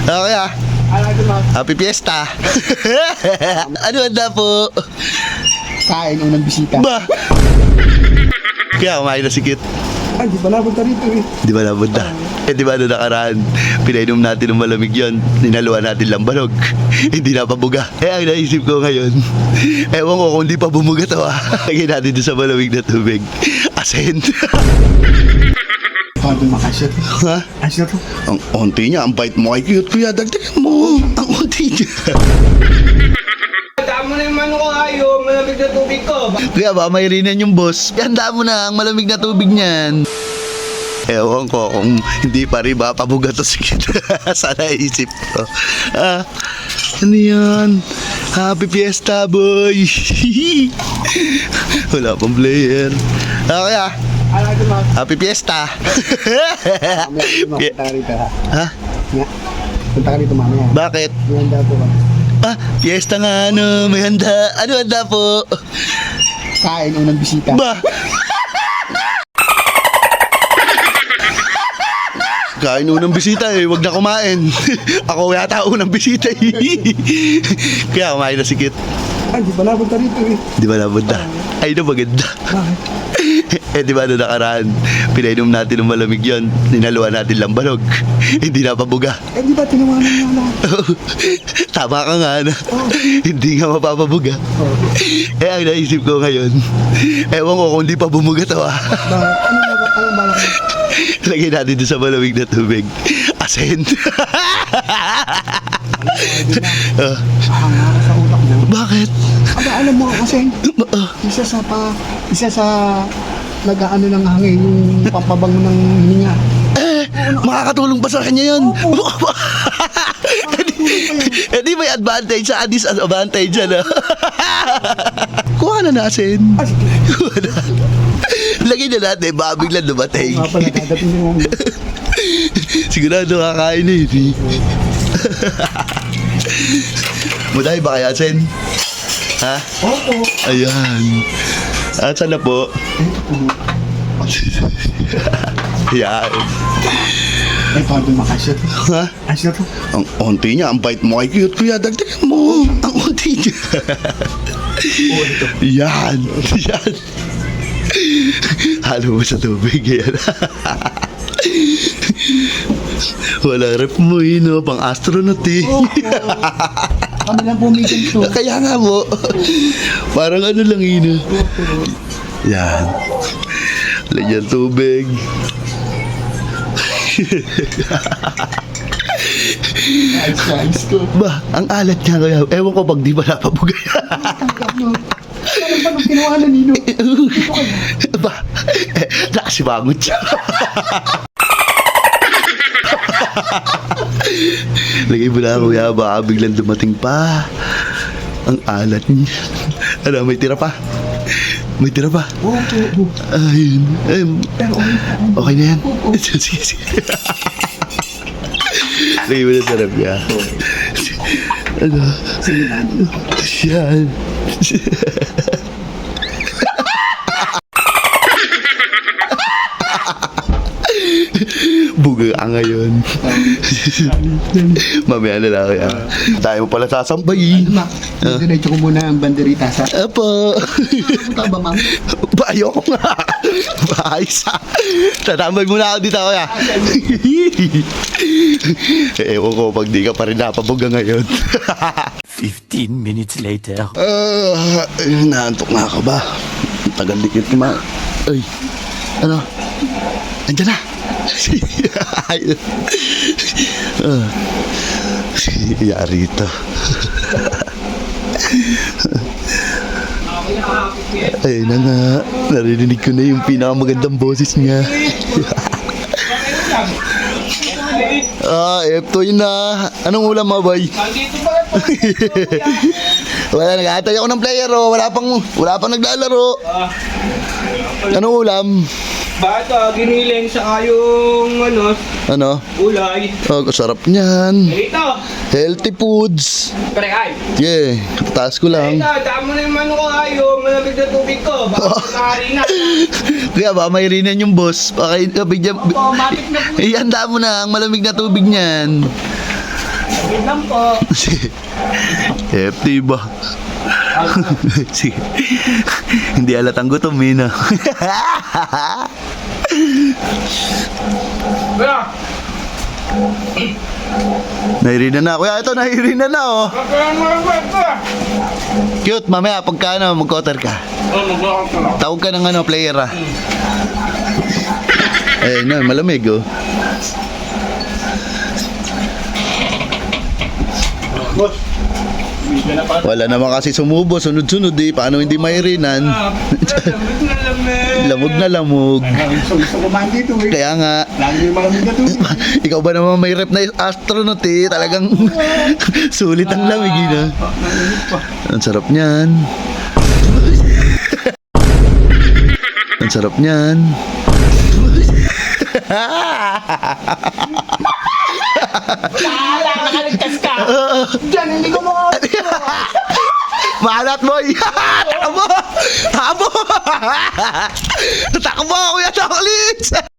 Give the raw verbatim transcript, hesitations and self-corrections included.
Okay ah. Happy Fiesta. Ano handa po? Kain unang bisita. Ba? Kaya kumain na si Kit. Ay, di ba napunta rito eh. Di ba napunta? Eh di ba ano nakaraan? Pinainom natin ng malamig yun. Ninaluan natin lang balog. Hindi na pabuga. Eh ang naisip ko ngayon, ewan ko kung di pa bumuga to ah. Lagyan natin doon sa malamig na tubig. Asin. Paano makasya to? Ha? Asya to? Ang onti niya, ang bait mo kay Cute kuya. Dagdagan mo. Ang onti niya. Tama na yung mano ko ayo, malamig na tubig ko. Kaya ba may rinan yung boss? Handa mo na ang malamig na tubig niyan. Ewan ko kung hindi pa rin ba pabuga to si Kit. Sana isip ko. Ah, ano yan? Happy Fiesta boy. Wala pang player. Okay ah. Ala, di ba? Happy Fiesta. Mamaya, punta ka rito ha. Ha? Nga. Punta ka rito mamaya. Bakit? May handa po ba? Ah, fiesta nga ano, may handa. Ano handa po? Kain unang bisita. Ba? Kain unang bisita eh, wag na kumain. Ako yata unang bisita eh. Kaya kumain na si Kit. Ay, di ba napunta rito eh. Di ba napunta? Ay na maganda. Bakit? Eh di ba ano nakaraan? Pinainom natin ng malamig yun. Ninaluan natin lang balog. Hindi na pabuga. Eh, di ba tinawanan niya lahat? Tama ka nga na. Hindi nga mapapabuga. Oh. Eh ang naisip ko ngayon, ewan ko kung di pa bumuga to ah. Bakit? Ano na ba? Anong balak mo? Lagyan natin doon sa malamig na tubig. Asin. Ah, Hanga ka sa utak mo. bakit? Aba, alam mo kasi, Ah, isa sa pa, isa sa nag-ano ng hangin, yung pampabango ng hininga. eh, makakatulong pa sa kanya yun. Eh di may advantage sa disadvantage ano. Kuha na nasin. Ah, sige. Kuha na. Lagyan na natin, baka biglang dumating. Nga pala, dadating din mo. Sigurado kakain na yun eh. Muday ba kaya, Sen? Ha? Opo. Ayan. At sana po? Ayan. Ay, paano makasya to? Ha? Asya to? Ang onti niya, ang bait mo kay Cute kuya. Dagdagan mo. Ang onti niya. Oo, ito. Yan. Yan. Halo mo sa tubig. Yan. Walang rep mo eh, no? Pang astronaut eh. Opo. Kami lang pumigan to. Kaya nga mo. Parang ano lang yun. eh. Yan. Lagyan tubig. Ayos na, ayos ko. Ba, ang alat niya kaya. Ewan ko pag di ba napabugay. Tanggap mo. Ano ba nung tinawanan nino? Ba, eh, nakasibangot siya. Lagay mo na kuya, baka biglang dumating pa. Ang alat niya. Ano, may tira pa? May tira pa? Oo, oo. Ayun. Ayun. Pero okay. Okay na yan? Oo. Sige, sige. Lagay mo na sa rep niya. Ano? Sige na. Yan. Buga ka ngayon. Mamaya na lang kaya. Tayo mo pala sasambay. Ma, diretso ko muna ang banderita sa... Apo. Punta ba, ma'am? Ba, ayoko nga. Ayos ah. Tatambay muna ako dito kuya. Ewan ko pag di ka pa rin napabuga ngayon. Fifteen minutes later. Ah, uh, naantok na ako ba? Ang tagal dikit kuma. Ay, ano? Andiyan na. Ayun. Ah, yari ito. Ayun na nga. Narinig ko na yung pinakamagandang boses niya. Ah, eto yun na. Anong ulam mo, boy? Nandito ba? Wala, nag-aantay ako ng player, oh. Wala pang, wala pang naglalaro. Ah, Anong ulam? bakit ah, giniling sa yung ano, Ano? ulay. Oh, sarap niyan. Ito, Healthy foods. pre ay. Yeah, taas ko lang. Ito, tama na yung mano ko ayo, malamig na tubig ko. Baka nakari na. Kaya ba, may rinan yung boss. Baka bigyan... Opo, matik na po. Ihanda mo na ang malamig na tubig niyan. Wait lang po. F T ba? Sige. Hindi alatang gutom, Mina. Kuya, Nahirina na. Kuya, ito, nahirina na, oh. kakaroon mo lang ba ito? Cute, mamaya, pagka ano, mag-cotter ka. Oh, mag-walk ka lang. Tawag ka ng ano, player, ah. Eh, na, malamig, oh. Boss, bigyan na pa. Wala naman kasi sumubo, sunod-sunod, eh. Paano hindi mahirinan? Lamig na lamig. Lamog na lamog. Gusto, gusto kumain dito eh. Kaya nga, Lagi yung malamig na tubig. ikaw ba naman may rep na astronaut, eh? Talagang sulit ang lamig, eh, na. Ang sarap niyan. Ang sarap niyan. Bahala, nakaligtas ka. Diyan, hindi ko mo. Maalat, boy! Takbo! Takbo! Takbo, Kuya Chocolates!